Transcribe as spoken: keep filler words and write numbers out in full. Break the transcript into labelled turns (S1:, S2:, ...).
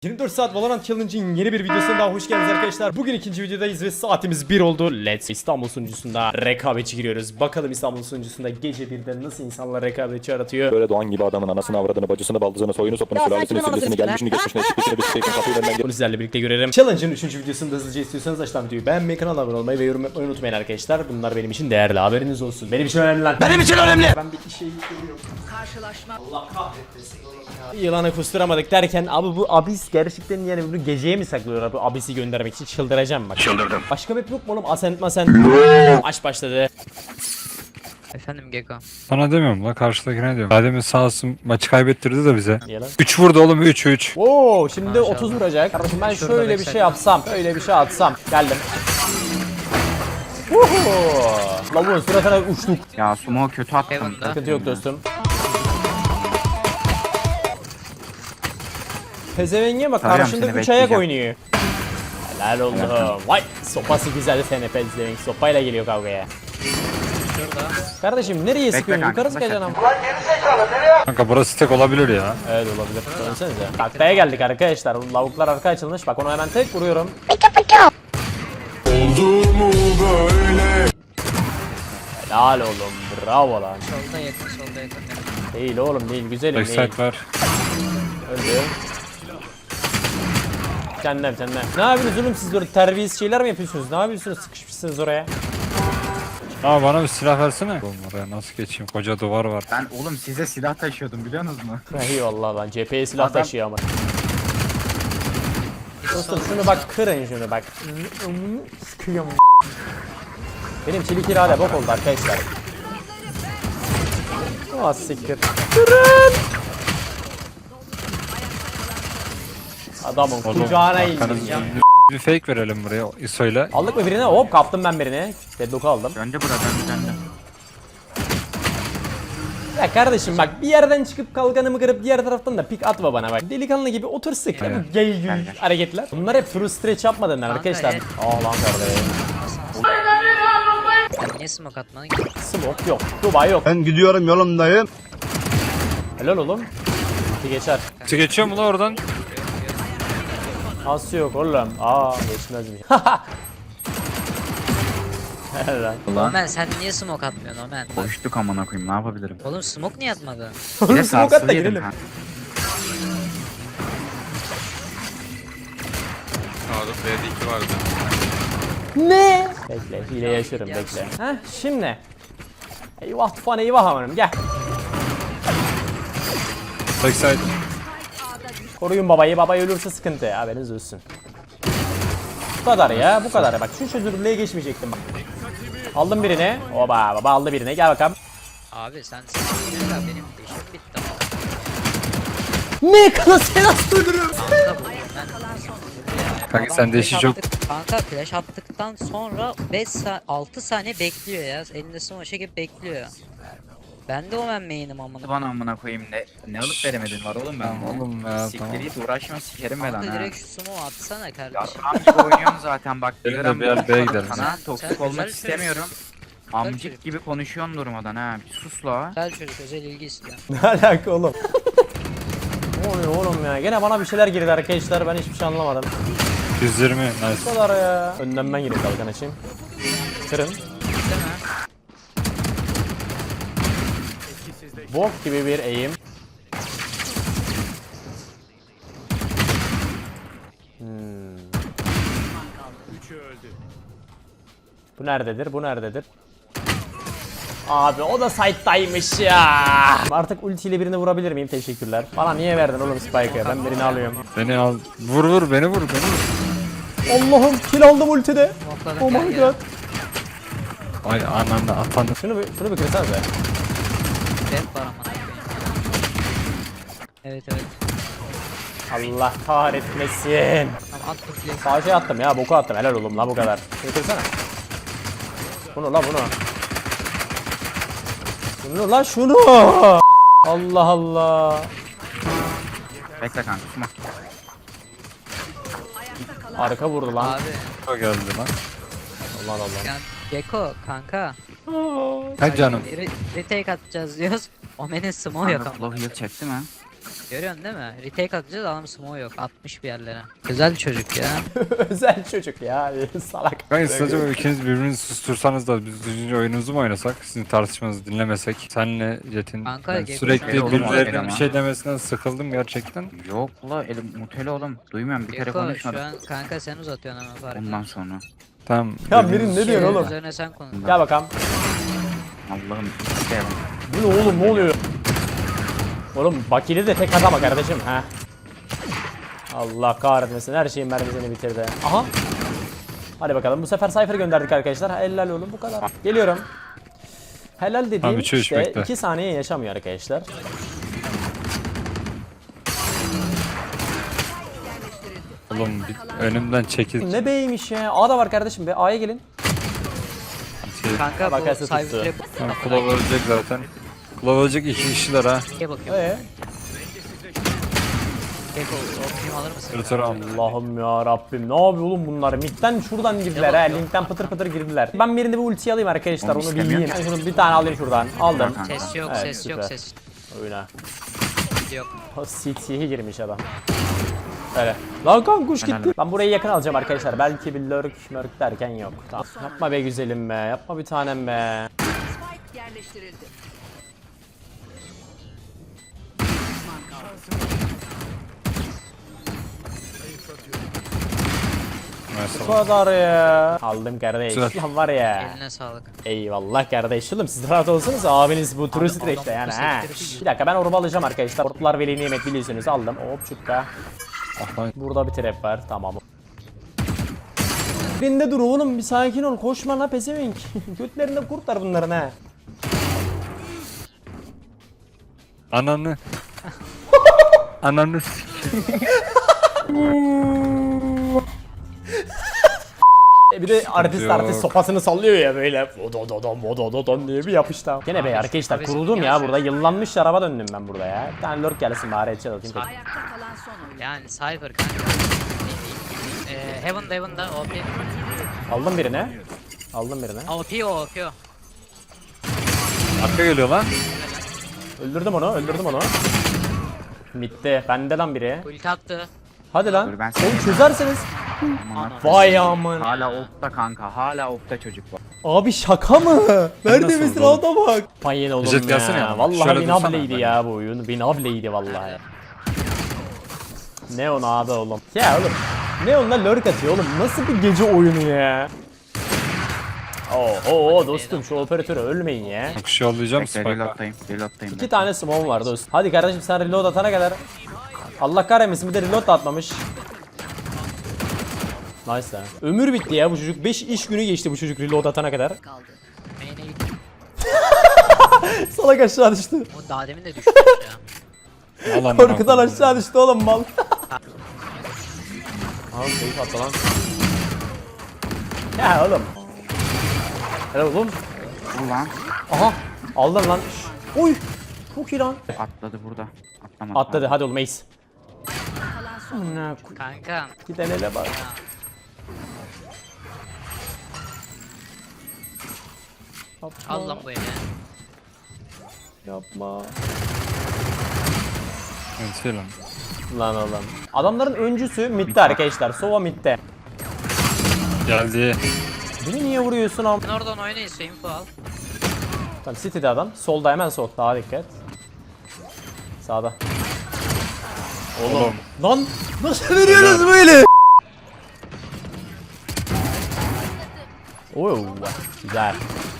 S1: yirmi dört saat Valorant Challenge'in yeni bir videosuna daha hoş geldiniz arkadaşlar. Bugün ikinci videodayız ve saatimiz bir oldu. Let's İstanbul sunucusunda rekabetçi giriyoruz. Bakalım İstanbul sunucusunda gece birde nasıl insanlar rekabetçi aratıyor.
S2: Böyle doğan gibi adamın anasını avradını bacısını baldızını soyunu sopunu sülalesini süllesini gelmişini geçmişini çıkmışını bir şeyin kapıyı önünden
S1: Bunu sizlerle birlikte görelim. Challenge'ın üçüncü videosunu da hızlıca istiyorsanız aşağıdan videoyu beğenmeyi, kanala abone olmayı ve yorum yapmayı unutmayın arkadaşlar. Bunlar benim için değerli, haberiniz olsun. Benim için önemli lan. Benim için önemli. Ben bir şey görüyorum. Karşılaşma. Allah kahretmesin. Yılanı kusturamadık derken abi bu abis gerçekten yani bunu geceye mi saklıyorlar bu abisi göndermek için? Çıldıracağım bak. Çıldırdım. Başka map yok mu oğlum? Asent masent. Maç başladı.
S3: Efendim Geko.
S4: Sana demiyorum la, karşıdakine diyorum. Adem'in sağ olsun maçı kaybettirdi de bize.
S1: Niye lan?
S4: üç vurdu oğlum, üç üç.
S1: Oo, şimdi
S3: Maşallah.
S1: otuz vuracak. Kardeşim ben
S3: Şurada
S1: şöyle bir
S3: backside.
S1: şey yapsam, öyle bir şey atsam. Geldim. Uhu. Lavuğun suratına uçtuk.
S5: Ya sumo kötü attım.
S3: Heaven'da.
S1: Sıkıntı yok dostum. Pezevenge bak,
S5: Tarıyorum
S1: karşında
S5: seni,
S1: üç ayak
S5: bekleyeceğim.
S1: oynuyor. Helal oldu. Vay, sopası güzel seni pezevenk. Sopayla geliyor kavgaya.
S3: Şurada.
S1: Kardeşim nereye sıkıyorsun?
S5: kanka,
S1: Yukarı sıkacaksın ama.
S4: Kanka burası tek olabilir ya.
S1: Evet olabilir. Dönsenize. Taktaya geldik arkadaşlar. Lavuklar arka açılmış. Bak onu hemen tek vuruyorum. Helal oğlum. Bravo lan.
S3: Solda yakın, solda yakın.
S1: Değil oğlum değil. Güzelim değil.
S4: Backside var.
S1: Öldü. Cennem cennem. Ne yapıyorsunuz oğlum siz böyle terbiyesiz şeyler mi yapıyorsunuz? Ne yapıyorsunuz? Sıkışmışsınız oraya.
S4: Aa, bana bir silah versene. Oğlum oraya nasıl geçeyim? Koca duvar var.
S5: Ben oğlum size silah taşıyordum biliyor musunuz mu?
S1: Eyvallah lan. Cepheye silah
S5: Adam-
S1: taşıyor ama. Dostum şunu bak, kırın şunu bak. Sıkıyorum. Benim çelik irade bok oldu arkadaşlar. Oh siktir. Kırın. Adamın
S4: Oğlum,
S1: kucağına
S4: arkanız-
S1: indireceğim.
S4: Bir fake verelim buraya ISO'yla.
S1: Aldık mı birine? Hop kaptım ben birini. Deadlock'u aldım.
S5: Döndü bura döndü döndü.
S1: Ya kardeşim bak, bir yerden çıkıp kalkanımı kırıp diğer taraftan da pik atma bana bak. Delikanlı gibi otur sık.
S4: Aynen.
S1: Bu gay gül hareketler. Bunlar hep true stretch yapmadın arkadaşlar.
S3: evet.
S1: Aa lan kardeşim.
S3: Sen niye smoke atmadın ki?
S1: Smoke yok. Dubai yok.
S6: Ben gidiyorum yolumdayım.
S1: Helal oğlum. Bir geçer.
S4: Çık geçiyor mu la oradan?
S1: Nasıl yok oğlum? Aa geçmezmiş. Helal lan.
S5: Ulan
S3: Omen sen niye smoke atmıyorsun Omen?
S5: boşluk amına koyayım ne yapabilirim?
S3: Oğlum smoke niye atmadın?
S5: Bir de
S1: Oğlum smoke at da
S5: sarsılı yedim
S1: girelim.
S5: kanka.
S7: Sağda B'de iki vardı.
S1: Ne? Bekle, hile yaşarım bekle. Heh şimdi. Eyvah tufan eyvah amanım gel.
S4: Backside.
S1: Koruyun babayı, babayı ölürse sıkıntı, haberiniz olsun. Bu kadar ya, bu kadar. Bak şu çözünürlüğe geçmeyecektim bak. Aldım birini. Oba, baba aldı birini. Gel bakalım.
S3: Abi sen sinirlenme benim değişim bitti.
S1: Ne kadar sen astırırım.
S3: Kanka bu ben...
S4: Kanka sen de işi
S3: Flash
S4: çok...
S3: attık- Kanka flash attıktan sonra beş sa altı saniye bekliyor ya. Elinde smoke çekip bekliyor. Ben de Omen main'im amına.
S5: Bana amına koyayım ne ne alıp veremedin var oğlum ben.
S4: Oğlum ya,
S5: Siktir
S4: tamam.
S5: git uğraşma sikerim ben lan
S3: Kanka
S5: ha.
S3: direkt şu smoke atsana
S5: Ya
S3: kardeşim.
S5: amcık oynuyorum zaten bak.
S4: Benim de
S5: gram
S4: bir yer B'ye gidelim.
S5: Sana
S3: Sen
S5: toksik
S3: güzel
S5: olmak
S3: çocuk.
S5: istemiyorum. Amcık
S3: çocuk.
S5: gibi konuşuyorsun durmadan ha. Bir sus la.
S3: Güzel çocuk özel ilgi istiyor.
S1: Ne alaka oğlum? Ne oluyor oğlum ya? Gene bana bir şeyler girdi arkadaşlar. Ben hiçbir şey anlamadım.
S4: yüz yirmi
S1: Bu
S4: nice.
S1: kadar ya. Önden ben gireyim kalkan açayım. Kırın. Bok gibi bir eğim. Hmm. Bu nerededir? Bu nerededir? Abi o da site'daymış ya. Artık ultiyle birini vurabilir miyim? Teşekkürler. Bana niye verdin oğlum Spike'ı? Ben birini alıyorum.
S4: Beni al. Vur vur beni vur beni vur.
S1: Allah'ım kill aldım ultide.
S3: Smoke'ladık
S1: Oh
S3: gel
S1: my
S3: gel.
S1: god.
S4: Ay ananda atandı.
S1: Şunu bir, şunu bir kırsanıza.
S3: Rap var amına. Evet evet.
S1: Allah kahretmesin.
S3: Tamam at bu flash.
S1: Sağ şey attım ya, boku attım. Helal oğlum la bu kadar. Şunu kırsana. Bunu la bunu. Şunu la şunu. Allah Allah.
S5: Bekle kanka susma.
S1: Arka vurdu lan.
S3: Abi
S4: O geldi lan.
S1: Allah Allah.
S3: yani Geko kanka.
S4: Ha canım.
S3: Re retake atacağız diyoruz. Omen'in smoke yok
S5: Kanka
S3: ama.
S5: flow heal çekti mi?
S3: Görüyorsun değil mi? Retake atacağız adam smoke yok. Atmış bir yerlere. Güzel çocuk ya.
S1: Özel çocuk ya. Salak.
S4: Ben acaba ikiniz birbirinizi sustursanız da biz düzgünce oyununuzu mu oynasak? Sizin tartışmanızı dinlemesek. Senle Jet'in
S3: Kanka,
S4: ben
S3: Gekko
S4: sürekli
S5: şöyle olur mu
S4: birilerinin
S5: ama?
S4: bir şey demesinden sıkıldım gerçekten.
S5: Yok la elim muteli oğlum. Duymuyorum bir kere
S3: Gekko
S5: konuşmadım.
S3: şu an kanka sen uzatıyorsun ama fark.
S5: Ondan sonra.
S4: Tamam.
S1: Ya
S4: birbiriniz-
S1: Mirin ne diyorsun oğlum?
S3: Üzerine sen konuş.
S1: Gel bakalım.
S5: Allah'ım isteyelim.
S1: Bu ne oğlum, ne oluyor? Oğlum Bakili de tek atama kardeşim ha. Allah kahretmesin, her şeyin mermisini bitirdi. Aha. Hadi bakalım, bu sefer Cypher gönderdik arkadaşlar. Helal oğlum, bu kadar. Geliyorum. Helal dediğim
S4: Abi, üç, üç,
S1: işte
S4: bekle.
S1: iki saniye yaşamıyor arkadaşlar.
S4: Oğlum bir önümden çekil.
S1: Ne B'ymiş ya? A da var kardeşim be, A'ya gelin.
S4: Şey,
S3: Kanka bu
S1: Bakası tuttu.
S3: cyber'e
S4: tamam, Klov ölecek zaten. Klov ölecek iki kişiler ha.
S3: bakıyorum.
S1: Ee?
S3: Gekko o film alır mısın?
S4: Tırtır al.
S1: Allah'ım ya Rabbim, ne yapıyor oğlum bunlar? Mid'den şuradan girdiler ha, linkten pıtır pıtır girdiler. Ben birinde bir ulti alayım arkadaşlar,
S5: Onu
S1: onu
S5: istemiyorum.
S1: bileyim. Ben şunu bir tane alayım şuradan. Aldım.
S5: Kanka.
S3: Ses yok,
S1: Evet,
S3: ses yok,
S1: süper.
S3: ses
S1: Oyuna.
S3: yok.
S1: C T'ye girmiş adam. Öyle. Lan kan kuş
S5: Helal
S1: gitti. Ben burayı yakın alacağım arkadaşlar. Belki bir lurk mörk derken yok. Tamam. Yapma be güzelim be. Yapma bir tanem be. Bu
S4: Mesela.
S1: kadar ya. Aldım kardeş.
S4: Güzel.
S1: Lan var ya.
S3: Eline sağlık.
S1: Eyvallah kardeş. Oğlum siz rahat olsanız abiniz bu turu
S3: Adam-
S1: streçte
S3: adam
S1: yani
S3: bu
S1: ha.
S3: streçte
S1: Bir dakika, ben orba alacağım arkadaşlar. Orplar veli nimet biliyorsunuz, aldım. Hop çukka.
S4: Aha,
S1: Burada bir trap var, tamam. Birinde dur oğlum, bir sakin ol, koşma la pezevenk. Götlerinde kurtlar bunların ha.
S4: Ananı. Ananı s-
S1: E bir de artist
S4: yok.
S1: artist sopasını sallıyor ya böyle. Vodododon vodododon diye bir yapıştı. Gene be arkadaşlar,
S3: abi,
S1: kuruldum ya
S3: gerçekten.
S1: burada, yıllanmış araba döndüm ben burada ya. Bir tane lurk gelsin bari, headshot atayım. tek.
S3: Yani cyber kanka. Eee Heaven'da Heaven'da O P.
S1: Aldım birine. Aldım birine.
S3: O P o O P o.
S4: Arka geliyor lan.
S1: Öldürdüm onu, öldürdüm onu. Bitti. Bende lan biri.
S3: Ulti attı.
S1: Hadi lan.
S5: Dur, ben
S1: Oğlum çözerseniz.
S5: Aman
S1: Vay aman.
S5: Hala off'ta kanka. Hala off'ta çocuk var.
S1: Abi şaka mı? Nerede
S4: nasıl
S1: mesela
S4: oldu
S1: adam bak. Payın oğlum
S4: Jet
S1: ya.
S4: gelsene ya.
S1: Vallahi
S4: Şöyle
S1: binableydi
S4: dursana.
S1: ya bu oyun. Binableydi vallahi. Ne on abi oğlum. Ya oğlum. Ne onunla lurk atıyor oğlum. Nasıl bir gece oyunu ya? Oo, oo dostum, şu operatörü ölmeyin ya.
S4: Bakış yollayacağım
S5: Bekle
S4: Spike'a.
S5: reload'dayım. Reload'dayım.
S1: İki tane smoke var dost. Hadi kardeşim sen reload atana kadar. Allah kahretmesin, bir de reload da atmamış. Nice lan. Ömür bitti ya bu çocuk. beş iş günü geçti bu çocuk reload atana kadar.
S3: Main'e gitti.
S1: Salak aşağı düştü.
S3: O daha demin de düşmüş ya.
S4: Al amına
S1: Korkudan
S4: koyayım.
S1: aşağı düştü oğlum mal. Al keyif atla lan. Ya oğlum. Helal oğlum.
S5: Ulan
S1: Aha. Aldın lan. Şş. Oy. Çok iyi lan.
S5: atladı burada. Atlamadı.
S1: Atladı, hadi oğlum ace. Amına koy-
S3: Kanka.
S1: Giden ele bak. Yapma,
S3: Al lan bu evi.
S1: yapma.
S4: Evet, şey lan.
S1: Lan oğlum. Adamların öncüsü midde arkadaşlar. Sova midde.
S4: Geldi.
S1: Beni niye vuruyorsun am?
S3: Sen oradan oynayın info al.
S1: Tamam, City'de adam. Solda, hemen sol. Daha dikkat. Sağda.
S4: Oğlum.
S1: Lan nasıl veriyoruz böyle? Oy güzel.